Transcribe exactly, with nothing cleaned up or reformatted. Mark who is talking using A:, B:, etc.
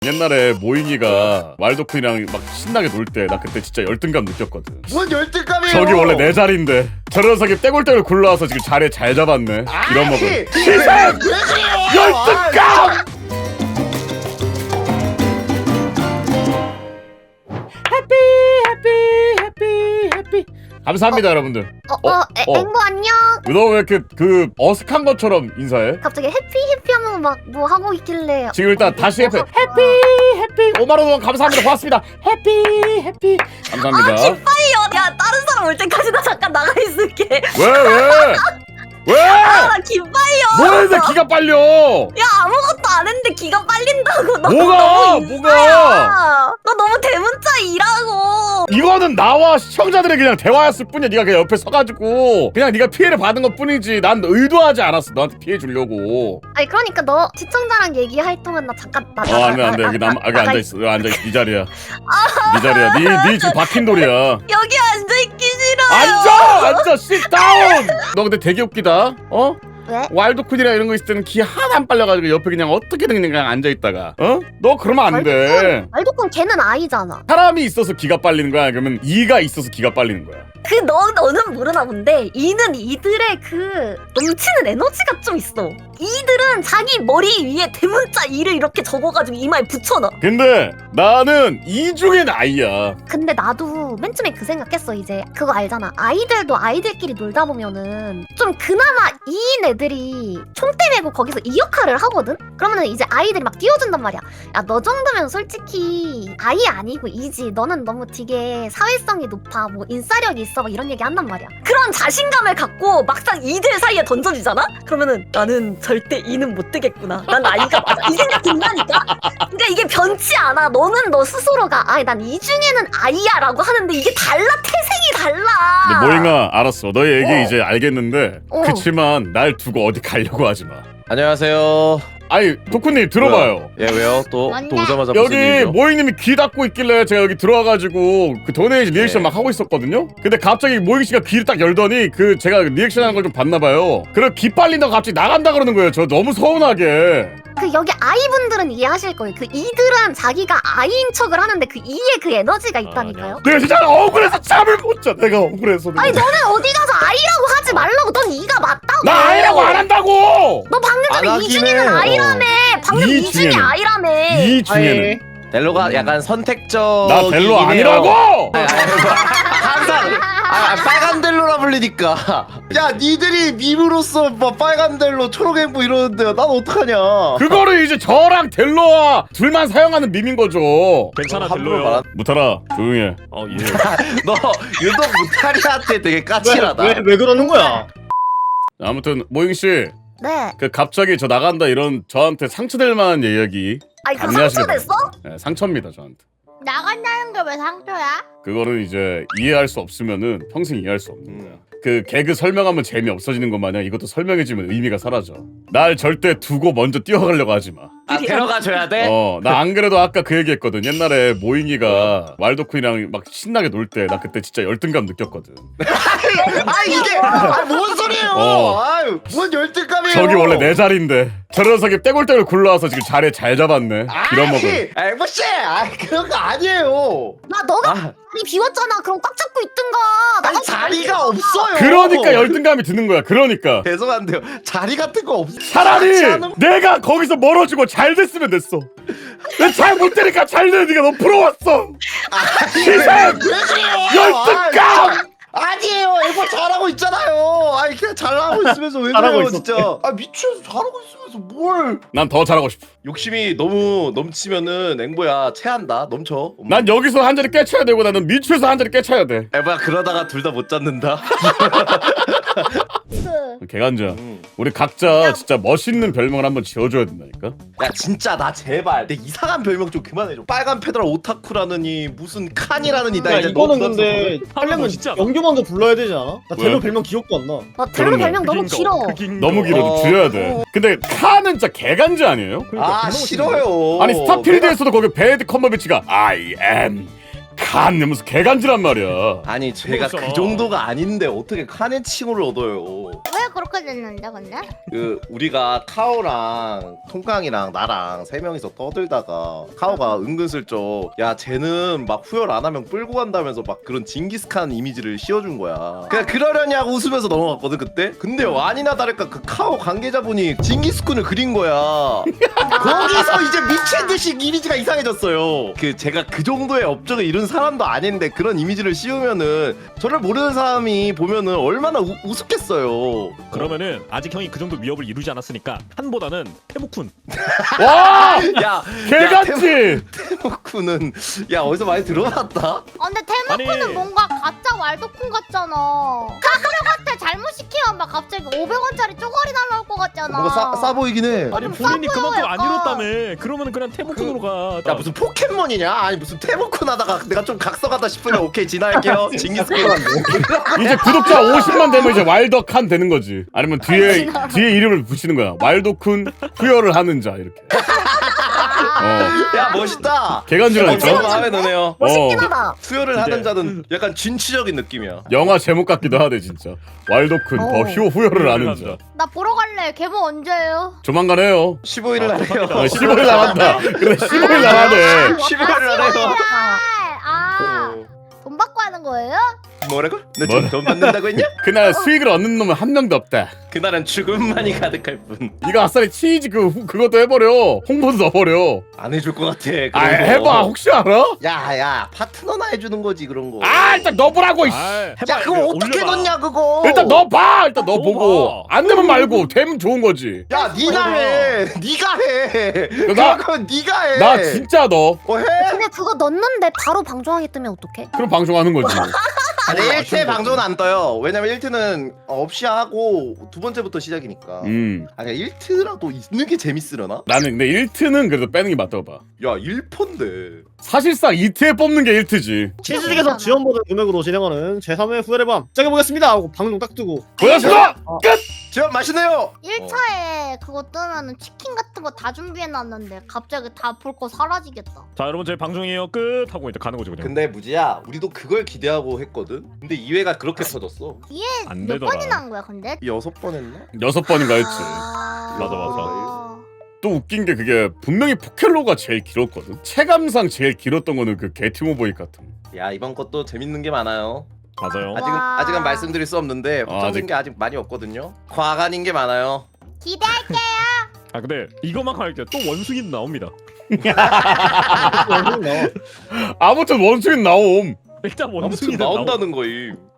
A: 옛날에 모잉이가 왈도쿤이랑 막 신나게 놀 때 나 그때 진짜 열등감 느꼈거든.
B: 뭔 열등감이에요?
A: 저기 원래 내 자리인데 저 녀석이 떼굴떼굴 굴러와서 지금 자리에 잘 잡았네. 이런 먹을 희생! 열등감! 해피 해피 해피 해피 감사합니다. 어? 여러분들.
C: 어, 어, 에,
A: 어.
C: 앵보 안녕.
A: 너 왜 이렇게 그 어색한 것처럼 인사해?
C: 갑자기 해피 해피 하면서 막 뭐 하고 있길래.
A: 지금 일단
C: 어,
A: 다시 해피
C: 어,
A: 해피 해피 오만 원 감사합니다. 고맙습니다. 해피 해피 감사합니다.
D: 아 기빠이요. 야 다른 사람 올 때까지 나 잠깐 나가 있을게.
A: 왜 왜? 왜?
D: 아나 기빠이요.
A: 뭐했는데 기가 빨려?
D: 야 아무것도 안 했는데 기가 빨린다고. 너
A: 뭐가?
D: 너무
A: 뭐가?
D: 인싸야. 너 너무 대문자 일하고.
A: 이거는 나와 시청자들의 그냥 대화였을 뿐이야. 네가 그냥 옆에 서가지고 그냥 네가 피해를 받은 것 뿐이지. 난 의도하지 않았어. 너한테 피해 주려고.
C: 아니 그러니까 너 시청자랑 얘기할 동안 나 잠깐 나.
A: 어 안돼 안돼 여기 남 여기 앉아 있어. 여기 앉아 있어. 네 자리야. 네 자리야. 네네 지금 박힌 돌이야.
D: 여기 앉아 있기 싫어요.
A: 앉아 앉아 sit down. 너 근데 되게 웃기다. 어?
C: 왜?
A: 왈도쿤이랑 이런 거 있을 때는 기 하나 안 빨려가지고 옆에 그냥 어떻게든 그냥 앉아있다가 어? 너 그러면 안돼.
C: 말도콘 걔는 아이잖아.
A: 사람이 있어서 기가 빨리는 거야? 그러면 이가 있어서 기가 빨리는 거야?
D: 그 너 너는 모르나 본데 이는 이들의 그 넘치는 에너지가 좀 있어. 이들은 자기 머리 위에 대문자 이를 이렇게 적어가지고 이마에 붙여놔.
A: 근데 나는 이 중에 나이야.
C: 근데 나도 맨 처음에 그 생각했어. 이제 그거 알잖아. 아이들도 아이들끼리 놀다 보면은 좀 그나마 이인 애들이 총대 메고 거기서 이 역할을 하거든? 그러면은 이제 아이들이 막 띄워준단 말이야. 야 너 정도면 솔직히 아이 아니고 이지. 너는 너무 되게 사회성이 높아. 뭐 인싸력이 있어. 막 이런 얘기 한단 말이야.
D: 그런 자신감을 갖고 막상 이들 사이에 던져지잖아? 그러면은 나는 절대 이는 못 되겠구나. 난 아이가 맞아. 이 생각 든다니까? 그러니까 이게 변치 않아. 너는 너 스스로가 아이 난 이 중에는 아이야 라고 하는데 이게 달라. 태생이 달라.
A: 근데 모잉아 알았어. 너의 얘기
D: 어.
A: 이제 알겠는데
C: 어.
A: 그치만 날 두고 어디 가려고 하지 마.
B: 안녕하세요.
A: 아니 도쿠님 들어봐요.
B: 예 왜요? 또 또
C: 뭔데?
B: 오자마자 무슨
A: 여기
B: 일이죠?
A: 모잉님이 귀 닫고 있길래 제가 여기 들어와가지고 그 도네이션 리액션
B: 네.
A: 막 하고 있었거든요. 근데 갑자기 모잉 씨가 귀를 딱 열더니 그 제가 리액션하는 걸 좀 봤나봐요. 그래 귀 빨린다고 갑자기 나간다 그러는 거예요. 저 너무 서운하게.
C: 그 여기 아이분들은 이해하실 거예요. 그 이들은 자기가 아이인 척을 하는데 그 이에 그 에너지가 있다니까요.
A: 내가 진짜 억울해서 잠을 못 자. 내가 억울해서.
C: 아니 너는 어디 가서 아이라고 하지 말라고. 넌 이가 맞다고.
A: 나 아이라고 안 한다고.
C: 너 방금
B: 안
C: 전에
B: 하긴
C: 이 중에는
B: 해.
C: 아이라며. 방금
A: 이
C: 이 중에
A: 중에는.
C: 아이라며.
A: 이 중에는
B: 델로가 약간 선택적.
A: 나 델로 아니라고.
B: 항상 아, 빨간 델로라 불리니까. 야 니들이 밈으로서 뭐 빨간 델로, 초록 앵보 이러는데 난 어떡하냐?
A: 그거를 이제 저랑 델로와 둘만 사용하는 밈인 거죠.
E: 괜찮아
B: 함부로
E: 델로요.
B: 말한-
A: 무타라 조용해.
E: 어 예.
B: 너 유독 무타리한테 되게 까칠하다.
F: 왜, 왜 그러는 거야?
A: 아무튼 모잉 씨,
C: 네.
A: 그 갑자기 저 나간다 이런 저한테 상처될 만한 이야기.
C: 아니 그
A: 감내하시기
C: 상처 됐어?
A: 네, 상처입니다 저한테.
C: 나간다는 게 왜 상처야?
A: 그거는 이제 이해할 수 없으면은 평생 이해할 수 없는 거야.
B: 음.
A: 그 개그 설명하면 재미 없어지는 것 마냥 이것도 설명해주면 의미가 사라져. 날 절대 두고 먼저 뛰어가려고 하지 마.
B: 아 데려가 줘야 돼?
A: 어, 나 안 그래도 아까 그 얘기했거든. 옛날에 모잉이가 왈도쿤이랑 막 신나게 놀 때 나 그때 진짜 열등감 느꼈거든.
B: 아 이게 아, 뭔 소리예요?
A: 어.
B: 아유 뭔 열등감이에요?
A: 저기 원래 내 자리인데 저 녀석이 떼굴떼굴 굴러와서 지금 자리에 잘 잡았네. 이런 먹을.
B: 아이 앵보씨, 아 그런 거 아니에요.
C: 나 너가
B: 아,
C: 자리 비웠잖아. 그럼 꽉 잡고 있든가.
B: 아니
C: 나가
B: 자리가 없어요.
A: 그러니까 열등감이 드는 거야. 그러니까
B: 죄송한데요. 자리 같은 거 없.
A: 차라리
B: 같이 하는-
A: 내가 거기서 멀어지고 잘 됐으면 됐어. 내가 잘 못되니까 잘 되는 네가 너무 부러웠어. 희생!
B: 왜 그래요?
A: 열등감!
B: 아니에요. 앵보 잘하고 있잖아요. 아니 그냥 잘하고 있으면서 왜
F: 잘하고
B: 그래요
F: 있었대.
B: 진짜. 아 미쳐서 잘하고 있으면서 뭘?
A: 난 더 잘하고 싶어.
B: 욕심이 너무 넘치면은 앵보야 체한다. 넘쳐.
A: 난 여기서 한 자리 깨쳐야 되고 나는 미추에서 한 자리 깨쳐야 돼.
B: 앵보야 그러다가 둘 다 못 잡는다.
A: 개간자.
B: 음.
A: 우리 각자 진짜 멋있는 별명을 한번 지어줘야 된다니까.
B: 야 진짜 나 제발 내 이상한 별명 좀 그만해줘. 빨간 페더라 오타쿠라느니 무슨 칸이라느니 나
F: 야
B: 이제
F: 이거는
B: 너무
F: 근데 하려면
E: 진짜.
F: 영규 먼저 불러야 되지 않아? 나
A: 왜?
F: 델로 별명 기억도 안 나.
C: 나 델로
A: 그렇네.
C: 별명 너무 길어.
A: 너무 길어.
B: 어.
A: 좀 줄여야 돼. 근데 카는 진짜 개간지 아니에요?
B: 아 싫어요.
A: 아니 스타필드에서도 거기 배드 컴버비치가 I am 칸 이러면서 개간지란 말이야.
B: 아니 제가 그
E: 그거잖아.
B: 정도가 아닌데 어떻게 칸의 칭호를 얻어요?
C: 왜
E: 그렇게 됐는데 근데?
B: 그 우리가 카오랑 통깡이랑 나랑 세 명이서 떠들다가 카오가 은근슬쩍 야 쟤는 막 후열 안 하면 끌고 간다면서 막 그런 징기스칸 이미지를 씌워준 거야. 그냥 그러려냐고 웃으면서 넘어갔거든 그때. 근데 아니나 다를까 그 카오 관계자분이 징기스칸을 그린 거야. 거기서 이제 미친 듯이 이미지가 이상해졌어요. 그 제가 그 정도의 업적을 이룬 사람도 아닌데 그런 이미지를 씌우면은 저를 모르는 사람이 보면은 얼마나 우, 우습겠어요.
G: 그러면은 아직 형이 그 정도 위협을 이루지 않았으니까 한보다는 태무쿤.
A: 와
B: 야,
A: 개같지.
B: 테모쿠는 야 어디서 많이 들어봤다?
E: 아 근데 테마쿠는
G: 아니.
E: 뭔가 가짜 왈도쿤 같잖아. 카그레한테 잘못 시키면 막 갑자기 오백 원짜리 쪼가리 날라올 것 같잖아.
B: 뭔가 싸, 싸 보이긴 해.
G: 아니
E: 좀
G: 본인이
E: 싸 보여,
G: 그만큼 안
E: 약간.
G: 이뤘다며. 그러면은 그냥 태무쿤으로 가.
B: 야 무슨 포켓몬이냐? 아니 무슨 테모쿤 하다가 내가 좀 각성하다 싶으면 오케이 진화할게요. 징기스칸.
A: 이제 구독자 오십만 되면 이제 왈더칸 되는 거지. 아니면 뒤에 뒤에 이름을 붙이는 거야. 왈도쿤 후열을 하는 자 이렇게. 어.
B: 야 멋있다.
A: 개간지라니까.
B: 어, 마음에 드네요.
D: 멋있긴
A: 어.
D: 하다.
B: 수혈을
G: 근데-
B: 하는 자는 약간 진취적인 느낌이야.
A: 영화 제목 같기도 하대 진짜. 왈도쿤 더
D: 어.
A: 휴 후열을 하는 자.
E: 나 보러 갈래. 개봉 언제예요?
A: 조만간 해요.
B: 십오 일 날 해요.
A: 어, 십오 일 나간다. 그래 십오 일 나가네.
B: 십오 일 날 해요.
E: 아,
B: 어.
E: 돈 받고 하는 거예요?
B: 뭐라고? 너
A: 뭐라?
B: 지금 돈 받는다고 했냐?
A: 그날 수익을 얻는 놈은 한 명도 없다.
B: 그날은 죽음만이 가득할 뿐.
A: 이거 아싸리 치즈 그 후- 그것도 해버려. 홍보도 넣어버려.
B: 안 해줄 것 같아. 그런
A: 아
B: 거.
A: 해봐. 혹시 알아?
B: 야야 파트너나 해주는 거지 그런 거.
A: 아 일단 넣어보라고. 이씨.
G: 아, 해봐.
B: 야 그거 어떻게
G: 올려봐.
B: 넣냐 그거.
A: 일단 넣어봐. 일단
G: 넣어봐.
A: 넣어보고 안 되면 말고 되면 좋은 거지.
B: 야 니나 해. 니가 해.
A: 나-
B: 그건 니가 해.
A: 나 진짜 넣어.
B: 어 해.
C: 근데 그거 넣는데 바로 방송하게 뜨면 어떡해?
A: 그럼 방송하는 거지.
B: 아니 일 회 방송은 안 떠요. 왜냐면 일 회는 없이 하고 두 번째부터 시작이니까.
A: 음.
B: 아니 일 회라도 있는 게 재밌으려나?
A: 나는 근데 일 트는 그래도 빼는 게 맞다고 봐.
B: 야 일 편인데.
A: 사실상 이 트에 뽑는 게 일 트지.
F: 치즈직에서 지원받은 금액으로 진행하는 제삼 회 후회의 밤 시작해보겠습니다 하고 방송 딱 뜨고
A: 고맙습니다.
B: 저 맛있네요.
E: 일 차에 그거 뜨면은 치킨 같은 거 다 준비해놨는데 갑자기 다 볼 거 사라지겠다.
G: 자 여러분 저희 방송이에요 끝 하고 이제 가는 거죠 그냥.
B: 근데 무지야 우리도 그걸 기대하고 했거든. 근데 이 회가 그렇게 터졌어.
E: 이게
G: 안
E: 몇
G: 되더라.
E: 번이나 한 거야 근데?
B: 여섯 번 했나?
A: 여섯 번인가 했지.
E: 아...
G: 맞아,
B: 맞아.
A: 또 웃긴 게 그게 분명히 포켈로가 제일 길었거든. 체감상 제일 길었던 거는 그 게티모보이 같은.
B: 야 이번 것도 재밌는 게 많아요.
G: 맞아요.
B: 아직은
E: 와.
B: 아직은 말씀드릴 수 없는데
A: 아,
B: 확정된
A: 아직-
B: 게 아직 많이 없거든요. 과간인 게 많아요.
E: 기대할게.
G: 아 근데 이것만 할게요. 또 원숭이 나옵니다.
F: 방송 나와.
A: 아무튼 원숭이 나옴.
G: 일단
B: 아무튼
G: 원숭이
B: 나온다는 거임.